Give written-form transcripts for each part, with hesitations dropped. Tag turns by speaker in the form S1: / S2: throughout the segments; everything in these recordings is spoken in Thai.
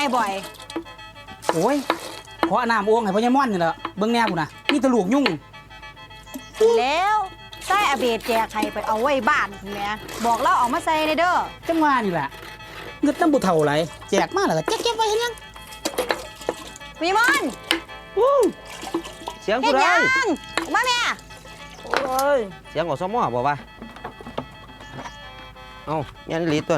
S1: บ่อย
S2: โอ้ยขอน้ำโอ่งให้พ่อใหญ่ม่อนนี่แหละเบิ่งแนวกูนะมีตะลูกยุ่ง
S1: แล้วใส่อาเบดแจกใครไปเอาไว้บ้านคุณแม่บอกเราเอามาใส่ในเด้อ
S2: จังหวะนี่แหละเงินน้ำบุเท่าไรแจกมาแล้วก็เก็บไว้เห็นยัง
S1: มีมอน
S3: เสียงผู้ใด
S1: มาแม่
S3: โอ้ยเสียงอสมอบอกว่าเอายันลีต้น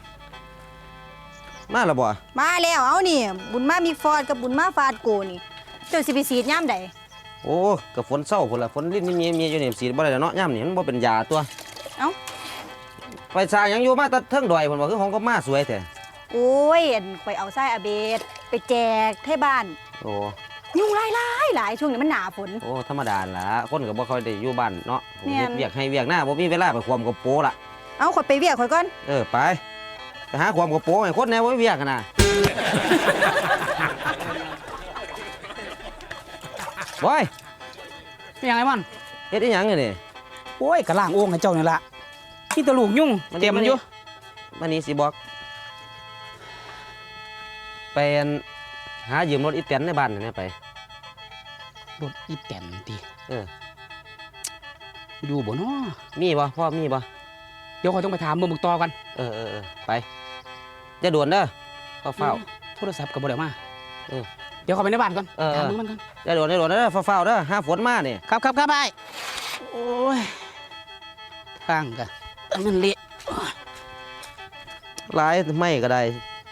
S3: มาแล้วบ่
S1: มาแล้วเอานี่บุญมามีฟอดกับบุญมาฟาดโกนี่เจ้าสิไปสีดย่ำใด
S3: โอ้กับฝนเศร้าพุ่นละฝนลิ้นมีอยู่นี่สีบ่ได้แล้วเนาะย่ำนี่มันบ่เป็นยาตัว
S1: เอ้า
S3: ไปสร้างยังอยู่มาตัดเทิงดอยพุ่นว่าคือของก็มาสวยแท้
S1: โอ้ยไปเอาไส้อาเบดไปแจกให้บ้าน
S3: โอ้
S1: ยุ่งหลายช่วงนี้มันหนาฝน
S3: โอ้ธรรมดาล่ะคนก็บ่ค่อยได้อยู่บ้านเนาะ
S1: เ
S3: วียกให้เวียกหน้าบ่มีเวลาไปความกับโปล่ะ
S1: เอาข่อยไปเวียกข่อยก่อน
S3: ไปหาความกับโปให้คนแน่บ่เวียกกันน่ะบอย
S2: เป็นยังไงมัน
S3: เฮ็ดอีหยังนี่
S2: โอ้ยกระล่างโอ่งให้เจ้านี่ละมีตะลูกยุ่งเต็มมันอยู่
S3: วันนี้สิบอกไปหายืมรถอีแตนในบ้านนี่ไป
S2: รถอีแตนติ
S3: อยู่
S2: บ่เนาะ
S3: มีบ่พ่อมีบ่
S2: เดี๋ยวขอต้องไปถามมึงต่อกัน
S3: ไปจะด่วนเด้อเฝ้า
S2: โทรศัพท์กับบ่ได้มาเดี๋ยวขอไปในบ้านก่อนถามมึงมันก่อน
S3: จะด่วนเด้อเฝ้าเด้อห้าฝนมาเนี่ย
S2: ครับไปโอ้ยทางกันมันเละ
S3: หลายไม่ก็ได้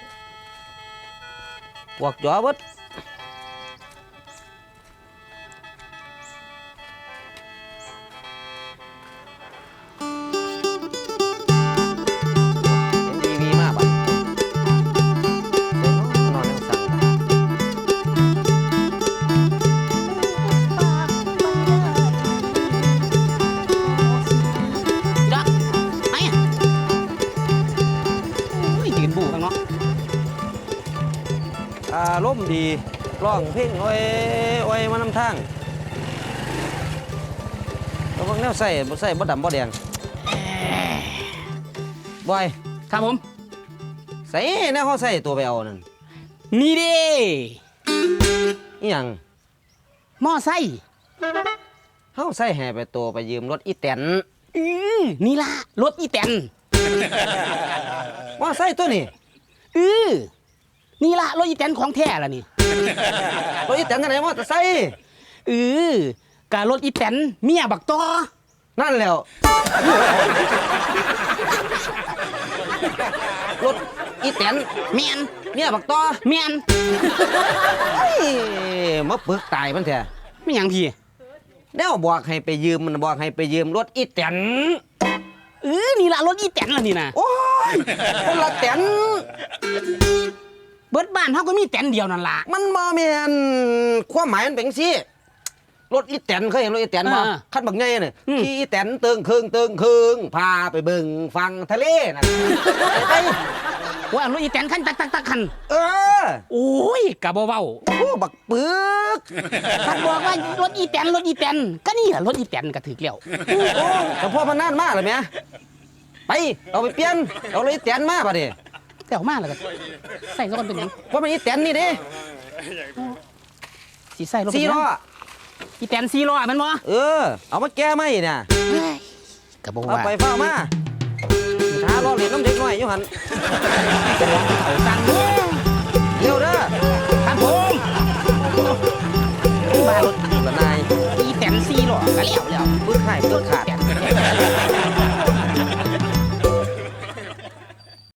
S3: พวกจ่อเบิดร่มดีร้องเพลงโอ้ยมานำทางแล้วพวกแนวใส่บ่ดำบ่แดงบอย
S2: ครับผม
S3: ใส่แนวเขาใส่ตัวไปเอานั่น
S2: นี่ดิ
S3: อีหยัง
S2: มอไซค์
S3: เขาใส่แห่ไปตัวไปยืมรถอีแตน
S2: นี่ล่ะรถอีแตน
S3: มอไซค์ตัวนี้
S2: นี่ล่ะรถอีแตนของแท้ล่ะนี่
S3: รถอีแตนกันไหนมอเตอร์ไซค์
S2: กะรถอีแตนเมียบักต่อ
S3: นั่นแล้วรถอีแตน
S2: เมี
S3: ยบักต่อ
S2: เมียน
S3: มาปึกตายมันแท้
S2: ไม่ยังพี่
S3: แล้วบอกให้ไปยืมมันบอกให้ไปยืมรถอีแตน
S2: นี่ล่ะรถอีแตนล่ะนี่นะ
S3: โอ้ยคนละแตน
S2: เบิดบ้านเขาก็มีแตนเดียวนั่นล่ะ
S3: มันบ่แม่นความหมายมันเป็นสิรถอีแตนเคยเห็นรถอีแตนบ่คันบักใหญ่น่ะขี่อีแตนเติงครึ่งพาไปเบิ่งฝั่งทะเลน่ะไป
S2: ว่ารถอีแตนคันตักคันโอ้ยกะบ่เว้า
S3: โอ้บักปึก
S2: คันบอกว่ารถอีแตนก็นี่ล่ะรถอีแตนก็ถึกแล้ว
S3: โอ้แต่พ่อมันนานมากเลยแม่ไปเอาไปเปลี่ยนเอารถอีแตนมาบัดนี้
S2: แต่ออกมาแล้วก็ใส่ซะก่อนเป็นหยัง
S3: ว่ามันอีแตนนี่เด้
S2: สิใส่รถ
S3: 4 ล้อ
S2: อีแตน4 ล้อแม่นบ่
S3: เอามาแก้ไหมเนี่ย
S2: ก็บ่ว่า
S3: เอาไปเฝ้ามาหาล้อเล่นน้ำเด็กน้อยอยู่หั่น
S2: เอาตังค์
S3: เร็วเด้อ
S2: ครับผม
S3: มารถละนาย
S2: อีแตน4 ล้อก็แล้ว
S3: ปึกให้ปึกขาด